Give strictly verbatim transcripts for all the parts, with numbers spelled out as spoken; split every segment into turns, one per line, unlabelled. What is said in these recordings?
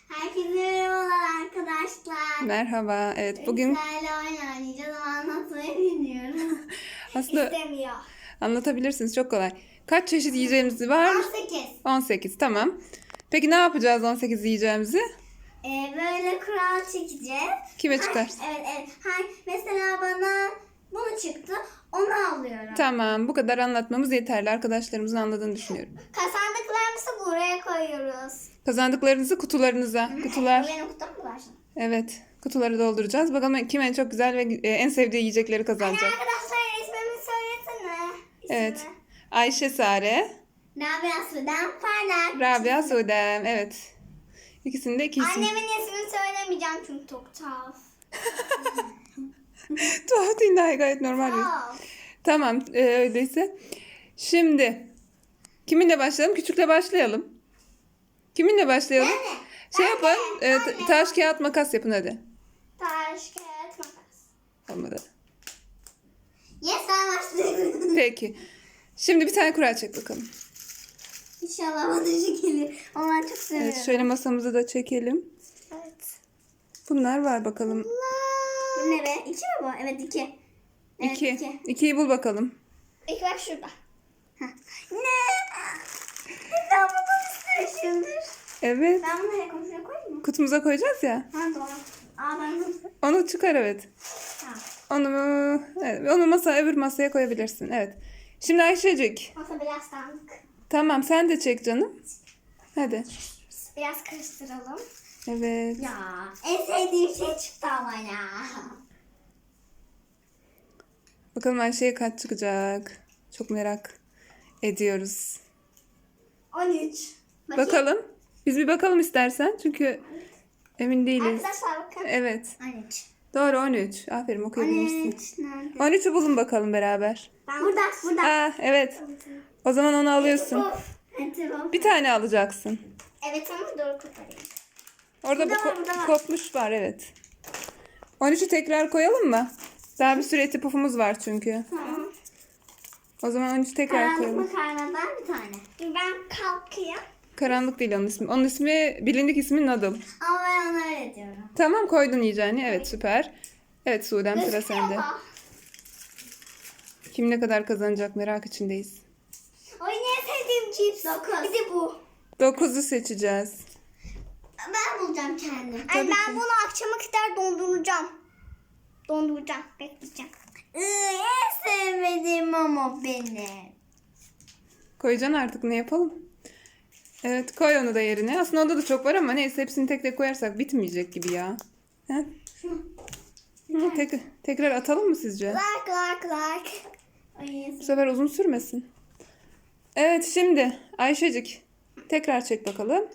Herkese merhabalar arkadaşlar.
Merhaba. Evet bugün
Sizlerle oyun oynayacağız ama anlatmayı bilmiyorum.
aslında
İstemiyor.
anlatabilirsiniz, çok kolay. Kaç çeşit yiyeceğimiz var?
on sekiz.
on sekiz, tamam. Peki ne yapacağız on sekiz yiyeceğimizi?
Ee, böyle kural çekeceğiz.
Kime
Hay-
çıkar?
Evet evet. Hay, mesela bana bunu çıktı. Onu alıyorum.
Tamam, bu kadar anlatmamız yeterli. Arkadaşlarımızın anladığını düşünüyorum.
Kazandıklarımızı buraya koyuyoruz.
Kazandıklarınızı kutularınıza. Kutular.
Bu benim kutum mu var?
Evet. Kutuları dolduracağız. Bakalım kim en çok güzel ve e, en sevdiği yiyecekleri
Hani
kazanacak.
arkadaşlar ismimi söylesene. İsmi.
Evet. Ayşe Sare,
Rabia Sudan Parlak.
Rabia Sudem. Evet. İkisinin de iki isim.
Annemin ismini söylemeyeceğim çünkü çok tuhaf.
Tuhaf değil, daha gayet normal. bir-
Tuhaf.
Tamam, e, öyleyse. Şimdi kiminle başlayalım? Küçükle başlayalım. Kiminle başlayalım?
Ben de.
Şey
Ben
yapın.
de,
e,
ben
ta-
de.
taş kağıt makas yapın hadi.
Taş, kağıt, makas.
Olmadı.
Yes, ben başlıyorum.
Peki. Şimdi bir tane kura çek bakalım.
İnşallah bana şu gelir. Ama ben çok seviyorum.
Evet, şöyle masamızı da çekelim.
Evet.
Bunlar var bakalım.
Bu ne be? İki mi bu? Evet iki. Evet,
İki.
iki.
İkiyi bul bakalım.
İlk bak şurada. Heh. Ne? Ben bunu istemişimdir.
Evet.
Ben bunu nereye komşuya koyayım mı?
Kutumuza koyacağız ya.
Ha doğru. Aa ben bunu...
Onu çıkar, evet.
Tamam.
Onu, evet, onu masa öbür masaya koyabilirsin. Evet. Şimdi Ayşecik.
Masa biraz dağınık.
Tamam, sen de çek canım. Hadi.
Biraz karıştıralım.
Evet.
Ya en sevdiğim şey çıktı ama ya.
Bakalım Ayşe'ye kaç çıkacak. Çok merak ediyoruz.
on üç. Bakayım.
Bakalım. Biz bir bakalım istersen. Çünkü emin değiliz.
Arkadaşlar bakın.
Evet.
on üç.
Doğru, on üç. Aferin,
on
okuyabilmişsin.
üç nerede?
on üçü bulun bakalım beraber.
Ben burada, burada.
Aa, evet. O zaman onu alıyorsun.
Of. Tamam.
Bir tane alacaksın.
Evet ama doğru koparayım.
Orada bu
Burada var,
ko-
burada var.
kopmuş var, evet. on üçü tekrar koyalım mı? Daha bir sürü eti pufumuz var çünkü.
Tamam.
O zaman on üçü tekrar
Karanlık
koyalım.
makarnadan bir tane. Ben kalkayım.
Karanlık değil onun ismi. Onun ismi, bilindik ismi Noodle.
Ama ben ona öyle diyorum.
Tamam, koydun yiyeceğini. Evet, süper. Evet Suudem, sıra
Gözüküyor
sende.
mu?
Kim ne kadar kazanacak merak içindeyiz.
Oy ne sevdiğim cips. Dokuz. Bir de bu.
dokuzu seçeceğiz.
Ben bulacağım kendim. Ay,
Tabii
ben
ki.
bunu akşama kadar donduracağım. Donduracağım. Bekleyeceğim. Iı, en sevmediğim ama benim.
Koyacaksın artık, ne yapalım? Evet, koy onu da yerine. Aslında onda da çok var ama neyse, hepsini tek tek koyarsak bitmeyecek gibi ya. He? Hı, tek, tekrar atalım mı sizce?
Lark lark lark. Ay,
Bu sefer uzun sürmesin. Evet, şimdi Ayşecik tekrar çek bakalım.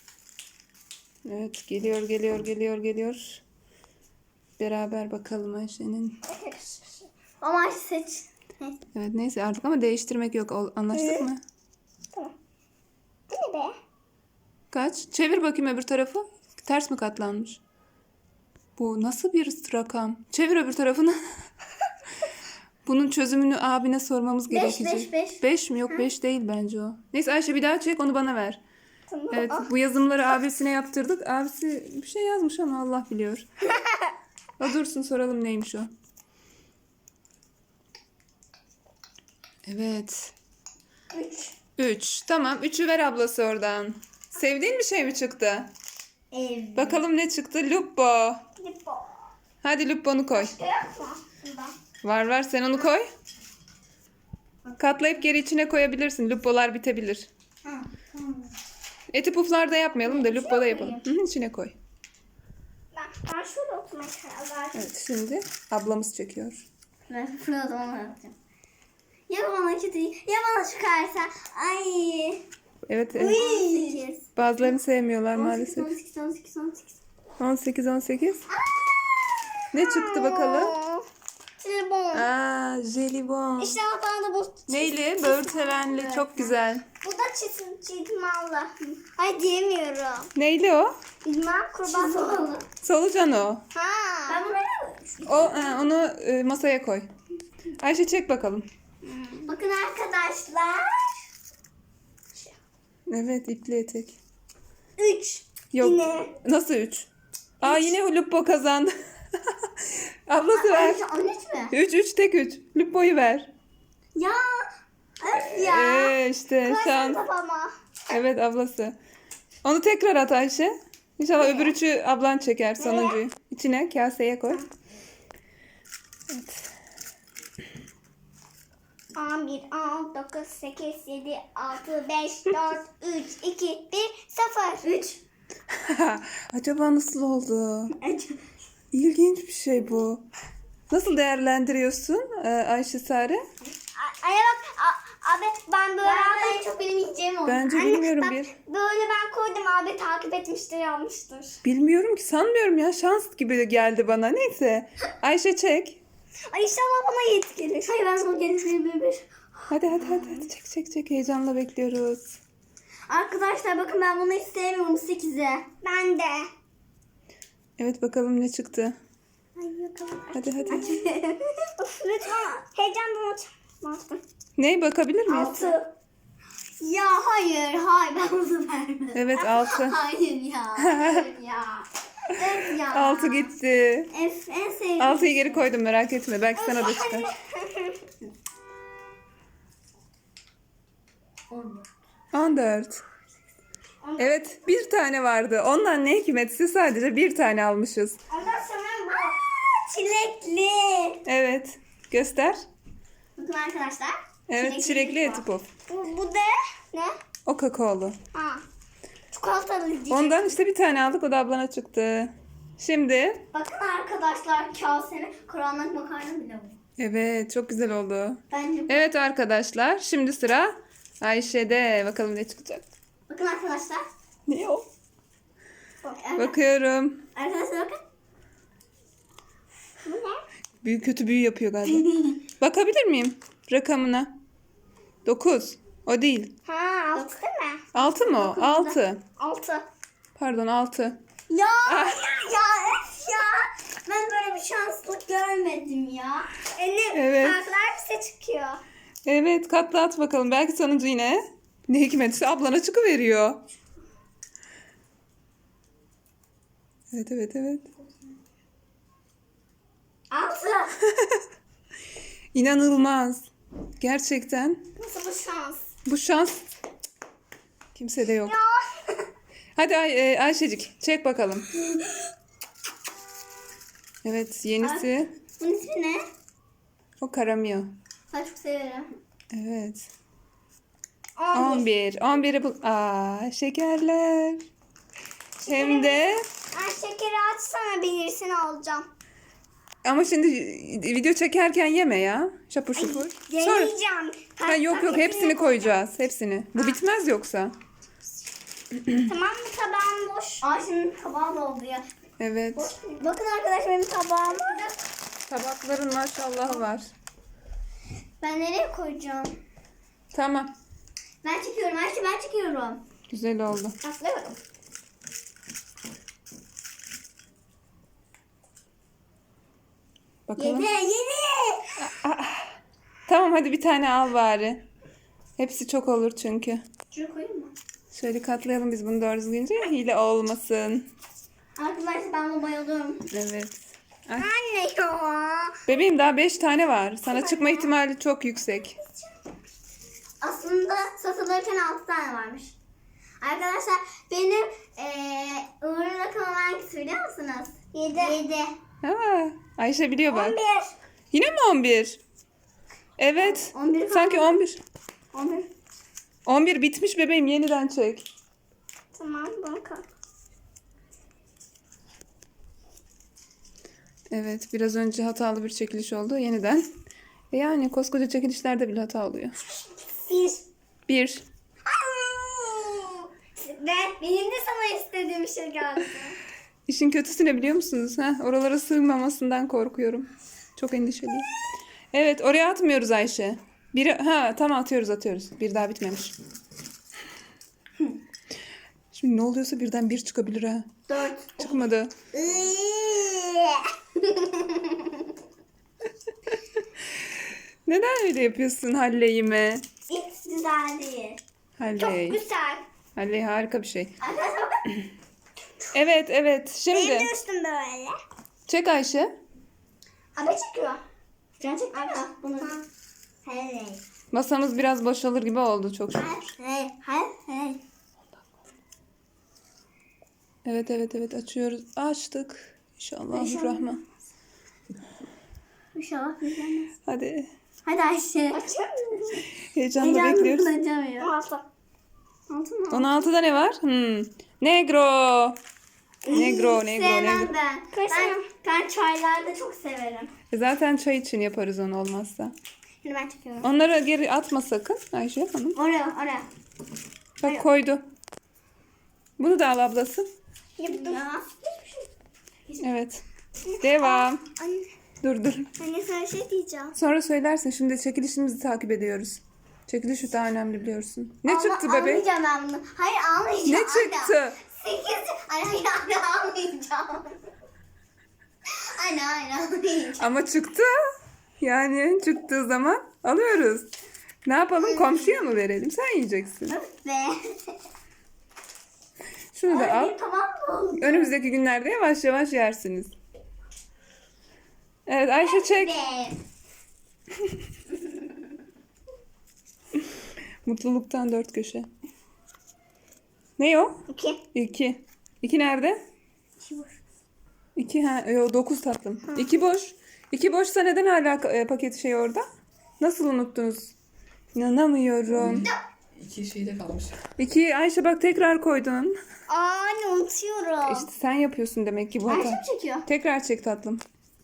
Evet, geliyor geliyor geliyor geliyor. Beraber bakalım Ayşe'nin.
ama seç. Neyse.
Evet, neyse artık ama değiştirmek yok. Ol- Anlaştık
Evet.
mı?
Tamam. Bu ne be?
Kaç? Çevir bakayım öbür tarafı. Ters mi katlanmış? Bu nasıl bir rakam? Çevir öbür tarafını. Bunun çözümünü abine sormamız
Beş,
gerekecek.
beş, beş.
Beş mi? Yok, beş değil bence o. Neyse Ayşe, bir daha çek, onu bana ver.
Tamam.
Evet,
Ah.
bu yazımları abisine yaptırdık. Abisi bir şey yazmış ama Allah biliyor. O dursun, soralım neymiş o. Evet.
Üç.
Üç. Tamam, üçü ver ablası oradan. Sevdiğin bir şey mi çıktı?
Evet.
Bakalım ne çıktı? Lupo.
Lipo.
Hadi Lupo'nu koy.
Yok mu? Bunda.
Var var, sen onu koy. Katlayıp geri içine koyabilirsin. Lupolar bitebilir.
Ha, tamam.
Eti puflarda yapmayalım da Lupo'da yapalım. Hı, içine koy.
Ben, ben şurada oturmaya karar verdim.
Evet, şimdi ablamız çekiyor.
Ben şurada onu yapacağım. Ya bana kötü, ya bana çıkarsa. Ay.
Evet, evet.
on sekiz.
Bazılarını sevmiyorlar
on sekiz,
maalesef.
on sekiz, on sekiz, on sekiz.
on sekiz on sekiz. Ne çıktı bakalım?
Jelibon.
Aa, jelibon.
İşte bana da bu.
Neyli? Böğürtlenli, çok güzel.
Bu da çizim, çizmalı. Ay diyemiyorum.
Neyli o?
Bilmem kurban solalı.
Solucan o.
Ha. Ben bunu
O ha, onu e, masaya koy. Ayşe, çek bakalım.
bakın arkadaşlar.
Evet, ipli etek.
Üç.
Yok.
Yine.
Nasıl üç? Aa yine Lupo kazandı. Ablası ver.
on üç mü?
üç üç tek üç. Lupo'yu ver.
Ya. Öf ya.
Ee, işte
Kırarsın
şans.
kafama.
Evet ablası. Onu tekrar at Ayşe. İnşallah öbür üçü ablan çeker sonuncuyu. İçine kaseye koy. Evet.
on bir, on dokuz, sekiz, yedi, altı, beş, dört, üç, iki, bir, sıfır. üç.
Acaba nasıl oldu? İlginç bir şey bu. Nasıl değerlendiriyorsun e, Ayşe Sare?
Anne bak a- abi ben böyle ben en çok benim yiyeceğim oldu.
Bence
Anne,
bilmiyorum
bak,
bir.
Böyle ben koydum abi takip etmiştir almıştır.
Bilmiyorum ki, sanmıyorum ya, şans gibi geldi bana. Neyse. Ayşe çek.
Ay inşallah bana yet gelir. Hayır ben bunu gelir bir.
Hadi hadi hadi, hadi. çek çek çek, heyecanla bekliyoruz.
Arkadaşlar bakın ben bunu hiç sevmiyorum sekize. Ben de.
Evet bakalım ne çıktı.
Ay bakalım.
Hadi hadi.
Of lütfen heyecandan açmazdım.
Ne, bakabilir miyiz?
altı. Ya hayır hayır ben bunu vermem.
Evet altı.
Hayır ya. Hayır ya. Evet ya.
altı gitti.
F en sevdiğim.
altıyı geri koydum, merak etme. Belki sana da çıkar. on dört. Evet, bir tane vardı. Ondan ne hikmetse sadece bir tane almışız.
Ondan sonra bu. Çilekli.
Evet. Göster.
Bakın arkadaşlar.
Evet, çilekli eti puf.
Bu, bu da ne?
O kakaolu.
Ha. Çikolatalı diyecek.
Ondan işte bir tane aldık, o da ablana çıktı. Şimdi.
Bakın arkadaşlar kaseni karanlık makarna bile bu.
Evet, çok güzel oldu.
Bence bu.
Evet arkadaşlar, şimdi sıra Ayşe'de. Bakalım ne çıkacak.
Bakın arkadaşlar.
Ne o?
Bak, arka-
Bakıyorum.
Arkadaşlar bakın. Bu ne?
Büyük kötü büyü yapıyor galiba. Bakabilir miyim rakamına? dokuz. O değil.
Ha altı değil mi?
altı mı o? altı.
Altı.
Pardon, altı.
Ya
Ah.
ya öf ya. Ben böyle bir şanslık görmedim ya. Anne
Evet.
kartlar bize çıkıyor.
Evet, katla at bakalım. Belki sonuncu yine ne hikmetse ablana çıkıveriyor. Evet evet evet.
Altı.
İnanılmaz. Gerçekten.
Nasıl bu şans?
Bu şans kimsede yok.
Ya.
Hadi Ay e, Ayşecik çek bakalım. Evet, yenisi.
Bunun ismi ne?
O karamıyor.
Ben çok severim.
Evet.
on bir.
on bir. on biri bul. Aa, şekerler. Hem de
Ay şekeri açsana birisini alacağım.
ama şimdi video çekerken yeme ya. Şapur şupur. Sonra.
Deneyeceğim.
Ha, yok yok, hepsini koyacağız. Hepsini. Bu bitmez yoksa.
Tamam mı, tabağım boş. Ay şimdi tabağım doldu ya.
Evet.
Bakın arkadaşlar benim tabağım.
Tabakların maşallah var.
Ben nereye koyacağım?
Tamam.
Ben çekiyorum Ayşe, ben çekiyorum.
Güzel oldu.
Atlıyorum.
Bakalım.
Yedi, yedi.
Tamam hadi bir tane al bari. Hepsi çok olur çünkü.
Şuraya koyayım mı?
Şöyle katlayalım biz bunu doğru düzgünce. Hile olmasın.
Arkadaşlar ben bunu bayılıyorum.
Evet. Ay.
Anne ya.
Bebeğim daha beş tane var. Sana çıkma ihtimali çok yüksek.
Aslında satılırken altı tane varmış. Arkadaşlar benim eee uğurlu rakamım hangisi biliyor musunuz? Yedi. Yedi.
Ha, Ayşe biliyor bak.
On bir.
Yine mi on bir? Evet.
On bir
Sanki on bir.
On bir.
on bir bitmiş bebeğim, yeniden çek.
Tamam bakın.
Evet, biraz önce hatalı bir çekiliş oldu. Yeniden. E yani koskoca çekilişlerde bile hata oluyor.
Bir.
Bir.
Ve benim de sana istediğim şey geldi.
İşin kötüsü ne biliyor musunuz? Heh, oralara sığmamasından korkuyorum. Çok endişeliyim. Evet, oraya atmıyoruz Ayşe. Biri, ha tamam, atıyoruz atıyoruz. Bir daha bitmemiş. Şimdi ne oluyorsa birden bir çıkabilir ha.
Dört.
Çıkmadı. Neden öyle yapıyorsun Halley'ime?
Hiç güzel değil. Çok
Halley.
güzel.
Halley harika bir şey.
Arkadaşlar bakın.
Evet evet. Şimdi
Benim de üstüm böyle.
çek Ayşe.
Abi çekiyor. Can çekti mi? Bunu. Hey.
Masamız biraz boşalır gibi oldu çok şükür.
Hey. Hey. Hey.
Evet evet evet açıyoruz. Açtık. İnşallah Rahman.
İnşallah güzelmez.
Hadi.
Hadi Ayşe. Açıyor
Heyecanla bekliyoruz.
Açamıyor. Altı. Altı mı?
on altıda ne var? Hmm. Negro. Negro, negro,
Sevmem
negro.
ben. Ben, ben çaylarda çok severim.
E Zaten çay için yaparız onu olmazsa.
Şimdi ben çekiyorum.
Onları geri atma sakın Ayşe Hanım.
Oraya, oraya.
Bak koydu. Bunu da al ablası.
Yaptım. Ya.
Evet. Devam.
Anne,
Dur dur.
anne sana şey diyeceğim.
Sonra söylersin. Şimdi çekilişimizi takip ediyoruz. Çekiliş şu daha önemli biliyorsun. Ne
Ama
çıktı bebek?
Almayacağım ben bunu. Hayır almayacağım.
Ne
anne.
çıktı?
Sekiz. Ay hayır anne almayacağım. Anne hayır almayacağım.
Ama çıktı. Yani çıktığı zaman alıyoruz. Ne yapalım? Komşuya mı verelim? Sen yiyeceksin.
Ve.
Şunu da al.
Ay, tamam mı?
Önümüzdeki günlerde yavaş yavaş yersiniz. Evet Ayşe çek.
Ve.
Mutluluktan dört köşe. Ne o?
İki.
İki. İki nerede? İki ha, yo, dokuz tatlım. İki boş. İki boşsa neden hala e, paket şey orada? Nasıl unuttunuz? İnanamıyorum.
İki şeyde kalmış.
İki Ayşe bak tekrar koydun.
Aa anne unutuyorum.
İşte sen yapıyorsun demek ki bu
Ayşe
hata.
mi çekiyor?
Tekrar çek tatlım.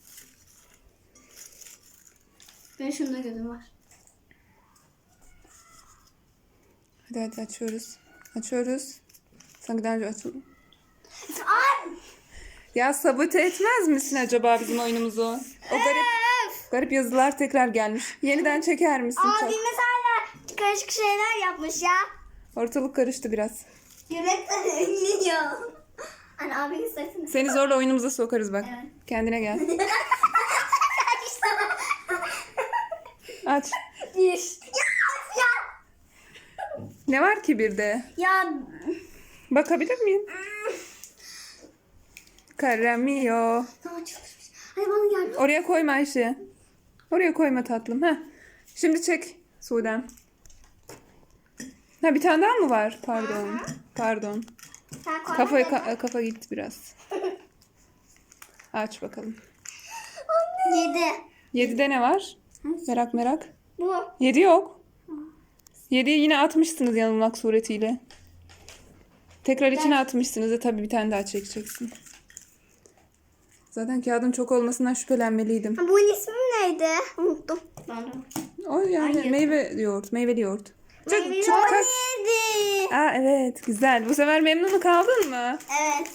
Benim şunda gözüm var.
Hadi hadi açıyoruz. Açıyoruz. Sanki daha önce açıldı.
Ay.
Ya sabote etmez misin acaba bizim oyunumuzu? O garip garip yazılar tekrar gelmiş. Yeniden çeker misin? Çok?
Abimiz hala karışık şeyler yapmış ya.
Ortalık karıştı biraz.
Yemekten ünlüyor. Anne abinin sesini.
Seni zorla oyunumuza sokarız bak.
Evet.
Kendine gel. Aç.
Bir. Ya ya.
Ne var ki bir de?
Ya.
Bakabilir miyim? Karamio.
Tamam çalışmış. Hadi bana gel.
Oraya koyma Ayşe. Oraya koyma tatlım. Heh. Şimdi çek Sudan. Ha bir tane daha mı var? Pardon. Pardon.
Sen koy.
Kafaya
hadi.
ka- kafa gitti biraz. Aç bakalım.
Yedi.
Yedide ne var? Merak merak.
Bu.
Yedi yok. Yediyi yine atmışsınız yanılmak suretiyle. Tekrar içine atmışsınız da tabii bir tane daha çekeceksin. Zaten kağıdın çok olmasından şüphelenmeliydim.
Bunun ismi neydi? Unuttum. Ben de.
O yani
Hayır.
meyve yoğurt, meyveli yoğurt. Çık,
Meyveli
çık,
yoğurt.
kalk.
Yedi.
Aa evet güzel. Bu sefer memnun kaldın mı?
Evet.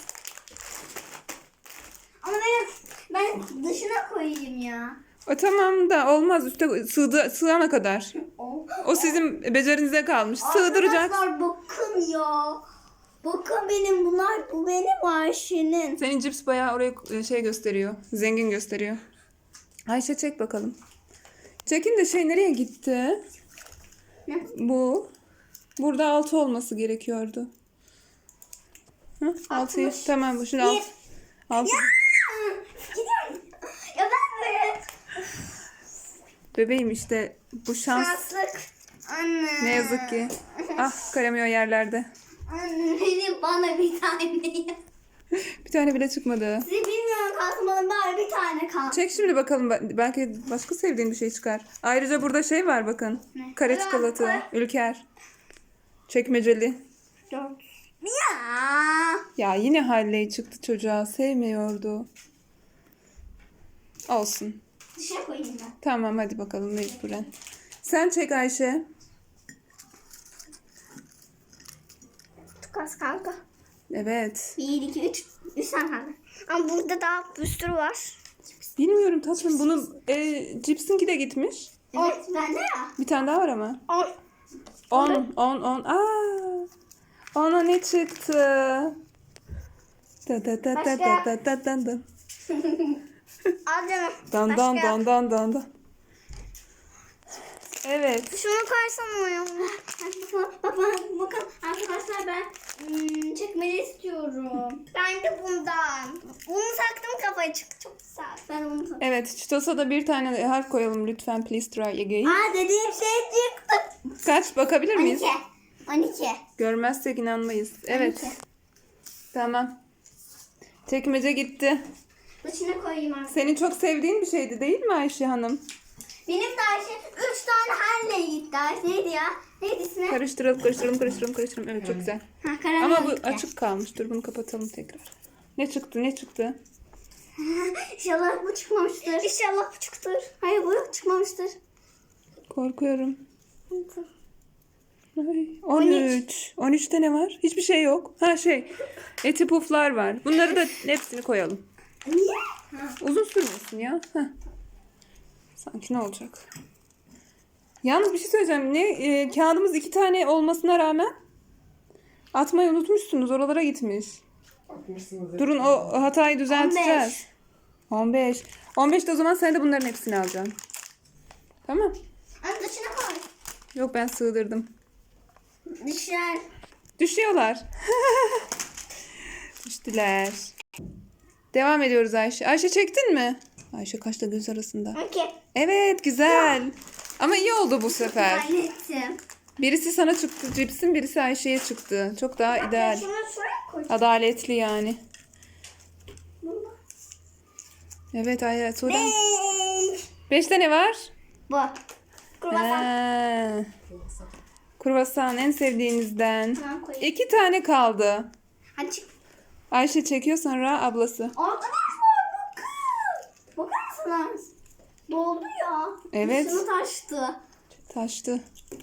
Ama ben ben dışına koyayım ya.
O tamam da olmaz üstte sığdı, sığana kadar.
Oh.
O sizin becerinize kalmış. Sığdıracak.
Arkadaşlar bakın ya. Bakın benim bunlar bu benim Ayşe'nin.
Senin cips bayağı oraya şey gösteriyor. Zengin gösteriyor. Ayşe çek bakalım. Çekin de şey nereye gitti?
Ne?
Bu. Burada altı olması gerekiyordu. Hı? Altıyı.
Altmış.
Tamam bu şimdi alt. Altı.
Gidiyorum. Ya ben böyle
Bebeğim işte bu şans.
şanslık. Anne.
Ne yazık ki. Ah karamıyor yerlerde.
Anne benim bana bir tane.
Bir tane bile çıkmadı.
Sizi bilmiyorum kalsın bana bari bir tane kalsın.
Çek şimdi bakalım. Be- Belki başka sevdiğin bir şey çıkar. Ayrıca burada şey var bakın.
Ne?
Kare
Ulan,
çikolata.
koy.
Ülker. Çekmeceli.
Dört. Ya.
Ya yine Halley çıktı çocuğa. Sevmiyordu. Olsun.
Dışarı koyayım ben.
Tamam hadi bakalım mecburen. Sen çek Ayşe.
Çok az kaldı.
Evet.
Bir, iki, üç. Üç tane kaldı. Ama burada daha bir sürü var.
Bilmiyorum tatlım. Bunun e, cipsinki de gitmiş.
Evet bende ya.
Bir tane daha var ama.
On.
On, on, on. Aa! Ona ne çıktı? Da da da da da da da da da.
Al canım.
Dan dan
Başka.
dan dan dan dan. Evet.
Şunu koysana. Bakın, bakın, bakın arkadaşlar ben hmm, çekmeli istiyorum. Ben de bundan. Bunu taktım kafaya çıktı çok güzel. Ben bunu taktım.
Evet. Çitos'a da bir tane harf koyalım lütfen. Please try again.
Aa dediğim şey çıktı.
Kaç bakabilir miyiz?
on iki. on iki.
Görmezsek inanmayız. Evet.
on iki.
Tamam. Çekmece gitti.
İçine koyayım artık.
Senin çok sevdiğin bir şeydi değil mi Ayşe Hanım?
Benim de Ayşe üç tane halle gitti. Ayşe neydi ya? Neydi ismi?
Karıştıralım, karıştıralım, karıştıralım, karıştıralım. Evet çok güzel.
Ha, karamel
Ama bu
gitti.
açık kalmış. Dur bunu kapatalım tekrar. Ne çıktı, ne çıktı?
İnşallah bu çıkmamıştır. İnşallah bu çıktır. Hayır bu çıkmamıştır.
Korkuyorum. Ay, on üç. on üçte ne var? Hiçbir şey yok. Ha şey, eti puflar var. Bunları da hepsini koyalım.
Niye? Ha.
Uzun sürmesin ya. Heh. Sanki ne olacak? Yalnız bir şey söyleyeceğim. Ne e, kağıdımız iki tane olmasına rağmen atmayı unutmuşsunuz. Oralara gitmiş.
Atmışsınız.
Durun o hatayı düzelteceğiz. on beş. on beşte o zaman sen de bunların hepsini alacaksın. Tamam.
Anne dışına koy.
Yok ben sığdırdım.
Düşer.
Düşüyorlar. Düştüler. Devam ediyoruz Ayşe. Ayşe çektin mi? Ayşe kaşla göz arasında.
Okey.
Evet güzel. Ama iyi oldu bu sefer.
Hallettim.
Birisi sana çıktı cipsin, birisi Ayşe'ye çıktı. Çok daha ideal.
Şunu şuraya koy.
Adaletli yani.
Bunu.
Evet Ayşe. Sonra...
Beş.
Beşte ne var?
Bu. Kruvasan.
Ha. Kruvasan en sevdiğinizden.
Tamam koyayım.
İki tane kaldı.
Hadi çık.
Ayşe çekiyor sonra ablası.
Arkadaşlar bakın. Bakar mısınız? Doldu ya.
Evet.
Şunu taştı.
Taştı.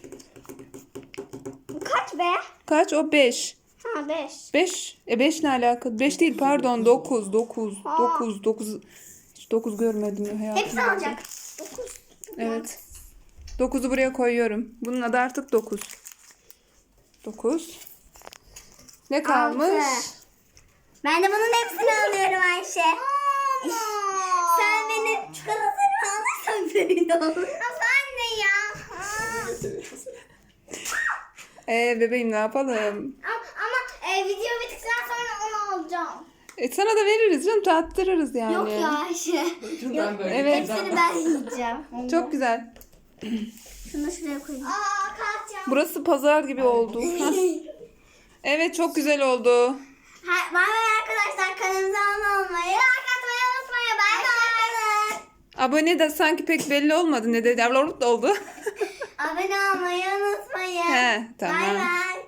Bu kaç be?
Kaç? O beş.
Ha beş.
Beş. E beş ne alaka? Beş değil pardon. Dokuz. Dokuz.
Aa.
Dokuz. Dokuz. Hiç dokuz görmedim hayatımda.
Hepsi alacak. Dokuz.
Evet. Dokuzu buraya koyuyorum. Bunun adı artık dokuz. Dokuz. Ne kalmış?
Altı. Ben de bunun hepsini alıyorum Ayşe. Sen benim çikolatalarımı alırsan böyle olur. Nasıl anne ya?
Ee bebeğim ne yapalım?
Ama, ama e, video bittikten sonra onu alacağım.
E sana da veririz canım. Tattırırız yani.
Yok ya Ayşe.
Şuradan böyle.
Evet.
Hepsini ben yiyeceğim.
Çok güzel.
Şunu da şuraya koyayım. Aa kalkacağım.
Burası pazar gibi oldu. Hah. Evet çok güzel oldu.
Ha, bay bay arkadaşlar. Kanalımıza abone olmayı, like atmayı unutmayın. Bay bay.
Abone de sanki pek belli olmadı. Ne dedi? Oldu.
Abone olmayı unutmayın.
He, tamam.
Bay bay.